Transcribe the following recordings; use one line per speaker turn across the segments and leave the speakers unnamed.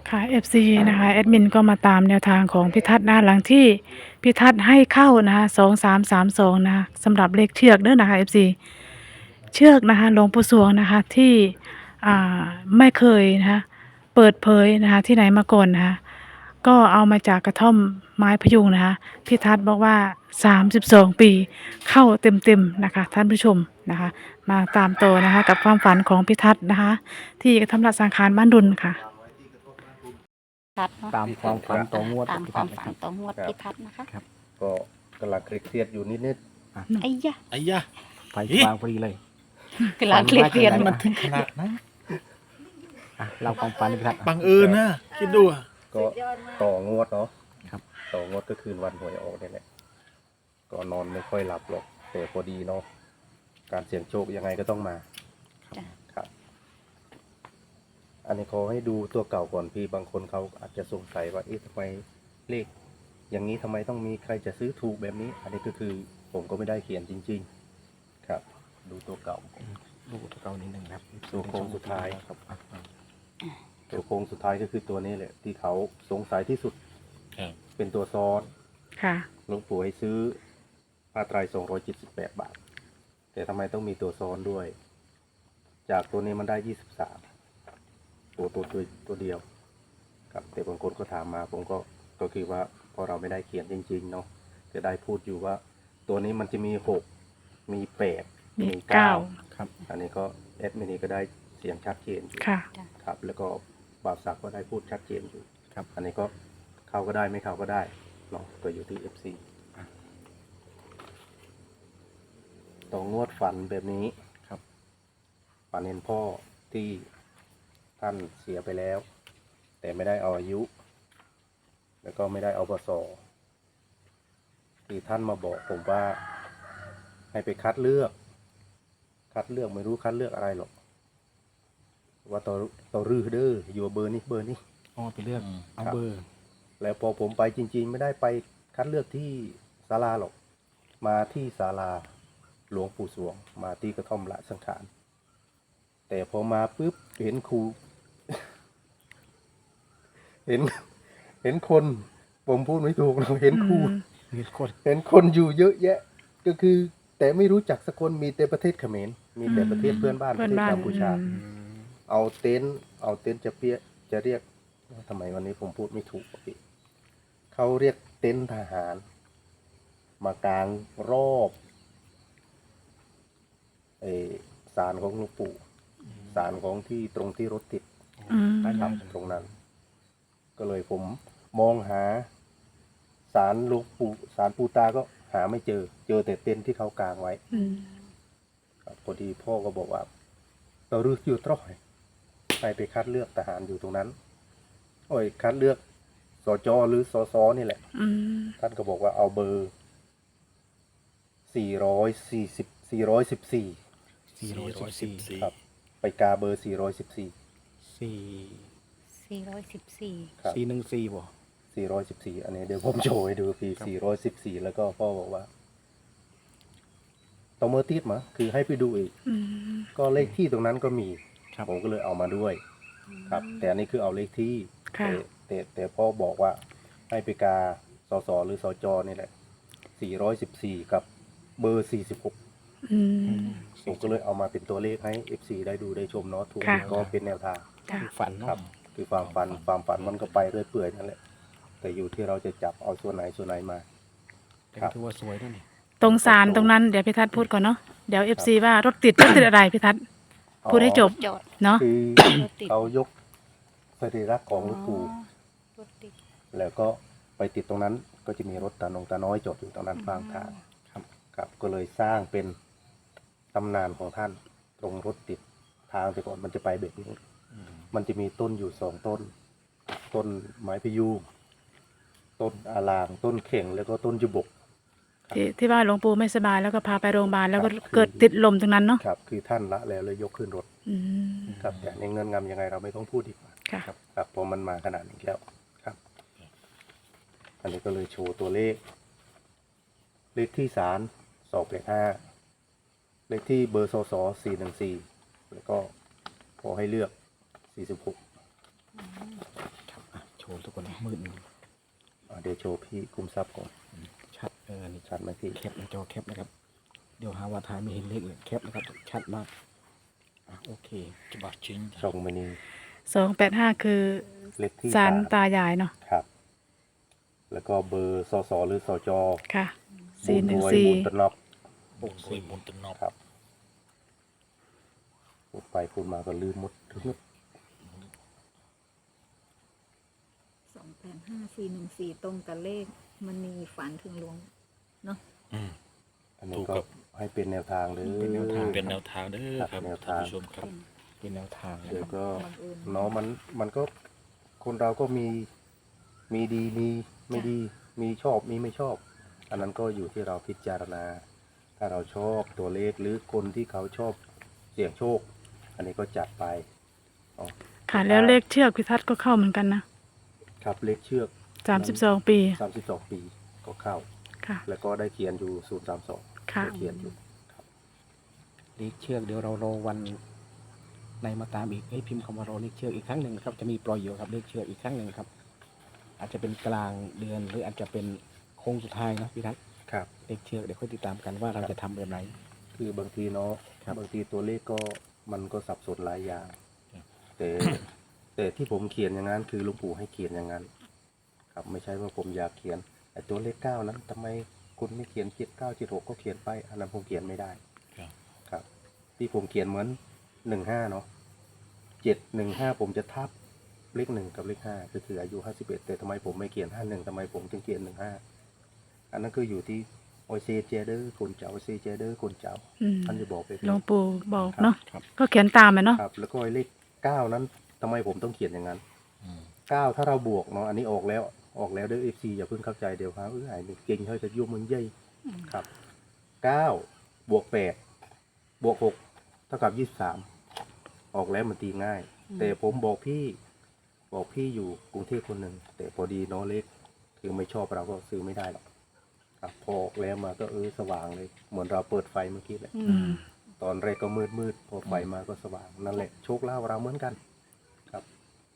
ค่ะ FC นะคะแอดมินก็มาตามแนวทางของพิทัศน์นะหลังที่พิทัศน์ให้เข้านะคะ2332นะคะสำหรับเลขเชือกเด้อนะคะ FC เชือกนะคะหลวงปู่สวงนะคะที่อ่าไม่เคยนะคะเปิดเผยนะคะที่ไหนมาก่อนนะคะก็เอามาจากกระท่อมไม้พยุงนะคะพิทัศน์บอกว่า32ปีเข้าเต็มๆนะคะท่านผู้ชมนะคะมาตามต่อนะคะกับความฝันของพิทัศน์นะคะที่กระท่อมละสังขารบ้านดุลค่ะ
ทัศน์เนาะ
ตามความฝันต่องวด
ตาม
พิ
ค
ทั
วาก ม
ษ์นะ
ฝั
คน รับ
ต่องวดพิทัศน์นะคะ
ก็กำลังเครียดๆอยู่นิด
ไอ้ยะ
ไอ้ยะ
ไฟวางพอดีเลย
กำลังเครียดเรียน
มันถึงขนาดนะ
อ่ะเราความฝันพิทักษ์
บังเอิญนะคิดดูอะ
ๆ ก็ต่องวดเนาะ
ครับ
ต่องวดก็คืนวันหวยออกนี่แหละก็นอนไม่ค่อยหลับหรอกแต่พอดีเนาะการเสี่ยงโชคยังไงก็ต้องมา
จ้ะ
ครับ อันนี้ขอให้ดูตัวเก่าก่อนพี่บางคนเขาอาจจะสงสัยว่าเอ๊ะทำไมเลข อย่างนี้ทำไมต้องมีใครจะซื้อถูกแบบนี้ อันนี้ก็คือผมก็ไม่ได้เขียนจริง ๆ ครับ ดูตัวเก่า
ดูตัวเก่านิดหนึ่งครับ
ตัวโค้งสุดท้าย
ครับอ่ะ
ตัวโค้งสุดท้ายก็คือตัวนี้แหละ ที่เขาสงสัยที่สุด
ครับ
เป็นตัวซ้อน
ค่ะ
หลวงปู่ให้ซื้อผ้าไตร278 บาท แต่ทำไมต้องมีตัวซ้อนด้วย จากตัวนี้มันได้23ตัวเดียวครับแต่บางคนก็ถามมาผมก็คือว่าพอเราไม่ได้เขียนจริงๆเนาะจะได้พูดอยู่ว่า ตัวนี้มันจะมี6มี8มี
เก้า
9ครับ อันนี้ก็แอดมินีก็ได้เสียงชัดเจนอยู่
ค่ะ
ครับ แล้วก็บ่าวศักดิ์ก็ได้พูดชัดเจนอยู่
ครับ
อันนี้ก็เข้าก็ได้ไม่เข้าก็ได้เนาะตัวอยู่ที่ FC ต่องวดฝันแบบนี้
ครับ
ฝันเห็นพ่อที่ท่านเสียไปแล้ว แต่ไม่ได้เอาอายุ แล้วก็ไม่ได้เอาปศที่ท่านมาบอกผมว่า ให้ไปคัดเลือกไม่รู้คัดเลือกอะไรหรอก ว่าต่อรื้อเด้ออยู่เบอร์นี้
อ๋อไปเลือกเอาเบอร์
แล้วพอผมไปจริง ๆ ไม่ได้ไปคัดเลือกที่ศาลาหรอก มาที่ศาลาหลวงปู่สวง มาที่กระท่อมละสังขาร แต่พอมาปุ๊บเห็นครู เห็นคนผมพูดไม่ถูกเราเห็นครู
มีคน
เห็นคนอยู่เยอะแยะ ก็คือ แต่ไม่รู้จักสักคนมีแต่ประเทศเขมรมีแต่ประเทศเพื่อนบ้านป
เพื่อ
ระ
น
เทศ
บ้าน
กัมพูชา
อืม
เอาเต็นท์จะเรียกทำไมวันนี้ผมพูดไม่ถูกอ่ะพี่เขาเรียกเต็นท์ทหาร มากางรอบไอศาลของหลวงปู่ศาลของที่ตรงที่รถติด
อืม
นะครับตรงนั้น ก็เลยผมมองหาศาลหลวงปู่ศาลปู่ตาก็หาไม่เจอแต่เต็นท์ที่เขากางไว้
อืม
ครับพอดีพ่อก็บอกว่าเราเลือกอยู่ตรอยไปคัดเลือกทหารอยู่ตรงนั้น โอ้ยคัดเลือกสจหรือสสนี่แหละ
อืม
ท่านก็บอกว่าเอาเบอร์414
414
ครับ ไปกาเบอร์414
4
414
ครับ
414บ่
414อันนี้เดี๋ยวผมโชว์ให้ดูปี414แล้วก็พ่อบอกว่าต้องเมอร์ติดมาคือให้ไปดูอีก
อืม
ก็เลขที่ตรงนั้นก็มี
ครับ
ผมก็เลยเอามาด้วย ครับ แต่อันนี้คือเอาเลขที่
ค่ะ
แต่พ่อบอกว่าให้ไปกาสสหรือสจนี่แหละ414กับเบอร์46
อืม
ผมก็เลยเอามาเป็นตัวเลขให้ FC ได้ดูได้ชมเนาะถูก
ค่ะ
ก็เป็นแนวทาง
ค่ะ
ฝัน
ครั
เนาะ
บ คือความฝันมันก็ไปเรื่อยเปื่อยนั่นแหละ แต่อยู่ที่เราจะจับเอาส่วนไหนมา
แต่
ครับ
ถือว่าสวยนะนี่
ตรงศาลตรงนั้นเดี๋ยวพิทัศน์พูดก่อนเนาะเดี๋ยว FC ว่ารถติดอะไรพิทัศน์พูดให้จบ
จอด
เนาะ
คือ
รถติด
เขายกสรีระของหลวงปู่
รถติด
แล้วก็ไปติดตรงนั้นก็จะมีรถตาน้อยจอดอยู่ตรงนั้นข้างทาง ครับก็เลยสร้างเป็นตำนานของท่านตรงรถติดทางแต่ก่อนมันจะไปแบบนี้ มันจะมีต้นอยู่2 ต้น ต้นไม้พะยูงต้นอาลางต้นเข่งแล้วก็ต้นจุบก
ที่ว่าหลวงปู่ไม่สบายแล้วก็พาไปโรงพยาบาลแล้วก็
ครับ
เกิดติดลมตรงนั้นเนาะ
ครับ คือท่านละแล้วเลยยกขึ้นรถ
อืม
ครับแต่ในเงินงำยังไงเราไม่ต้องพูดดีกว่า
ค่ะ
ครับเพราะมันมาขนาดนี้แล้วครับ อันนี้ก็เลยโชว์ตัวเลข เลขที่ศาล285เลขที่เบอร์สส414แล้วก็ขอให้เลือก46
โชว์ทุกคนนะมืด
เดี๋ยวโชว์พี่คุมทรัพย์ก่อน
ชัดนี่
ชัดไหมพี่
แคปในจอแคปนะครับ เดี๋ยวหาว่าถ่ายไม่เห็นเลขเลยแคปนะครับชัดมากโอเคจะบัดจริง
ช่องมินิ
285คือ
เลขที่
ศาล
3
ตายายเนาะ
ครับ แล้วก็เบอร์สสหรือสจ
ค่ะ
บุญรวยบุญตะนอบ
โอ้โหบนตนอบ
ครับพูดไปพูดมาก็ลืมหมดทุกนิด
285414ตรงกับเลขมันมีฝันถึงหลวง
อันนี้ก็ให้เป็นแนวทางเลย
เป็นแนวทางเด้อครับ
แนว
ท่าน
ทาง
ผู้ชมครับ
เป็นแนวทางนะ
เดี๋ยว
ครับ
ก็
บังเอิญ
เนาะมันก็คนเราก็มีดีมีไม่ดี มีชอบมีไม่ชอบ อันนั้นก็อยู่ที่เราพิจารณา ถ้าเราชอบตัวเลขหรือคนที่เขาชอบเสี่ยงโชค อันนี้ก็จัดไปอ๋อ
ค่ะแล้วเลขเชือกพิทัศน์ก็เข้าเหมือนกันนะครับ
เลขเชือก
32 ปี
32 ปีก็เข้า
ค่ะ
แล้วก็ได้เขียนอยู่032
ค่ะ
ได้เขียนอยู่
เลขเชือกเดี๋ยวเรารอวันในมาตามอีกให้พิมพ์คำว่ารอเลขเชือกอีกครั้งหนึ่งนะครับจะมีปล่อยอยู่ครับเลขเชือกอีกครั้งหนึ่งครับ อาจจะเป็นกลางเดือนหรืออาจจะเป็นโค้งสุดท้ายนะพี่ทัศน์
ครับ
เลขเชือกเดี๋ยวค่อยติดตามกันว่าเราจะทำแบบไหน
คือบางทีเนาะ
ครับ
บางทีตัวเลขก็มันก็สับสนหลายอย่าง แต่ แต่ที่ผมเขียนอย่างนั้นคือหลุงปู่ให้เขียนอย่างนั้น ครับไม่ใช่ว่าผมอยากเขียนแต่ตัวเลขเก้านั้นทำไมคุณไม่เขียน79 76ก็เขียนไปอันนั้นผมเขียนไม่ได้
ครับ
ครับ ที่ผมเขียนเหมือน15เนาะ715ผมจะทับเลข1กับเลข5ก็คืออายุ51แต่ทำไมผมไม่เขียน51ทำไมผมถึงเขียน15อันนั้นคืออยู่ที่โอเซเจเดอร์คนเจ้าโอเซเจเดอร์คนเจ้า
อืม
ท่านจะบอกไป
หลวงปู่บอกเนาะ
ครับ
ก็เขียนตามไปเนาะ
ครับ แล้วก็ไอ้เลข9นั้นทำไมผมต้องเขียนอย่างนั้น
อืม
9ถ้าเราบวกเนาะอันนี้ออกแล้วเด้อ FC อย่าเพิ่งเข้าใจเดี๋ยวครับไอ้นี่เก่งเฮ้ยจะยุ่งมึงเย่ยครับ9บวก8บวก6เท่ากับ23ออกแล้วมันตีง่าย แต่ผมบอกพี่อยู่กรุงเทพคนหนึ่งแต่พอดีเนาะเลขคือไม่ชอบเราก็ซื้อไม่ได้หรอกครับพอออกแล้วมาก็สว่างเลยเหมือนเราเปิดไฟเมื่อกี้แหละ
อืม
ตอนแรกก็มืดพอไฟมาก็สว่างนั่นแหละโชคลาภเราเหมือนกันครับ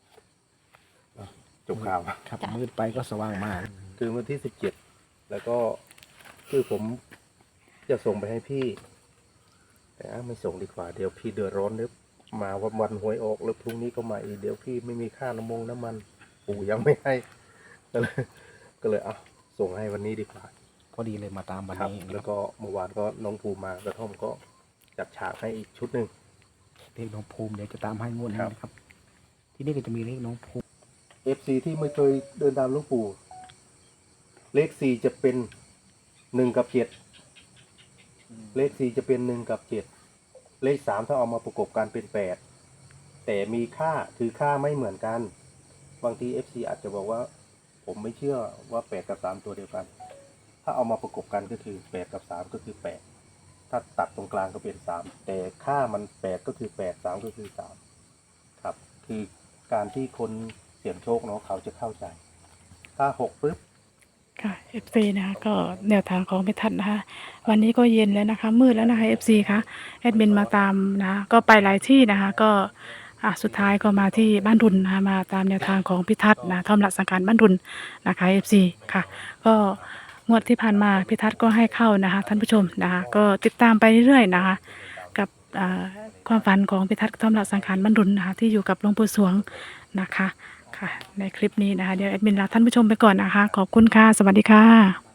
จบข่าว
ครับมืดไปก็สว่างมาก
คือวันที่17แล้วก็คือผมจะส่งไปให้พี่ แต่ไม่ส่งดีกว่าเดี๋ยวพี่เดือดร้อนเดี๋ยวมาวันหวยออกแล้วพรุ่งนี้ก็มาอีกเดี๋ยวพี่ไม่มีค่าน้ำมันปู่ยังไม่ให้ก็เลยส่งให้วันนี้ดีกว่า
ก็ดีเลยมาตามวัน
ครับ
นี้
แล้วก็เมื่อวานก็น้องภูมากระท่อมก็จัดฉากให้อีกชุดหนึ่ง
เลขน้องภูมิเดี๋ยวจะตามให้งวดนี้
ครับ
นะครับ ที่นี่ก็จะมีเลขน้องภูมิ
FC ที่ไม่เคยเดินตามหลวงปู่ เลข4จะเป็น1กับ7เลข4จะเป็น1กับ7เลข3ถ้าเอามาประกบกันเป็น8แต่มีค่าคือค่าไม่เหมือนกัน บางที FC อาจจะบอกว่า ผมไม่เชื่อว่า8กับ3ตัวเดียวกัน ถ้าเอามาประกบกันก็คือ8กับ3ก็คือ8ถ้าตัดตรงกลางก็เป็น3แต่ค่ามัน8ก็คือ8 3ก็คือ3ครับ คือการที่คนเสี่ยงโชคเนาะเขาจะเข้าใจ ถ้า6ปุ๊บ
ค่ะ FC นะคะก็แนวทางของพิทัศน์นะคะวันนี้ก็เย็นแล้วนะคะมืดแล้วนะคะ FC ค่ะแอดมินมาตามนะก็ไปหลายที่นะคะก็สุดท้ายก็มาที่บ้านดุลนะคะมาตามแนวทางของพิทัศน์นะทอมหลักสังการบ้านดุลนะคะ FC ค่ะ ก็งวดที่ผ่านมาพิทัศน์ก็ให้เข้านะคะท่านผู้ชมนะคะก็ติดตามไปเรื่อยๆนะคะกับความฝันของพิทัศน์ทอมหลักสังการบ้านดุลนะคะที่อยู่กับหลวงปู่สวงนะคะค่ะในคลิปนี้นะคะเดี๋ยวแอดมินลาท่านผู้ชมไปก่อนนะคะขอบคุณค่ะสวัสดีค่ะ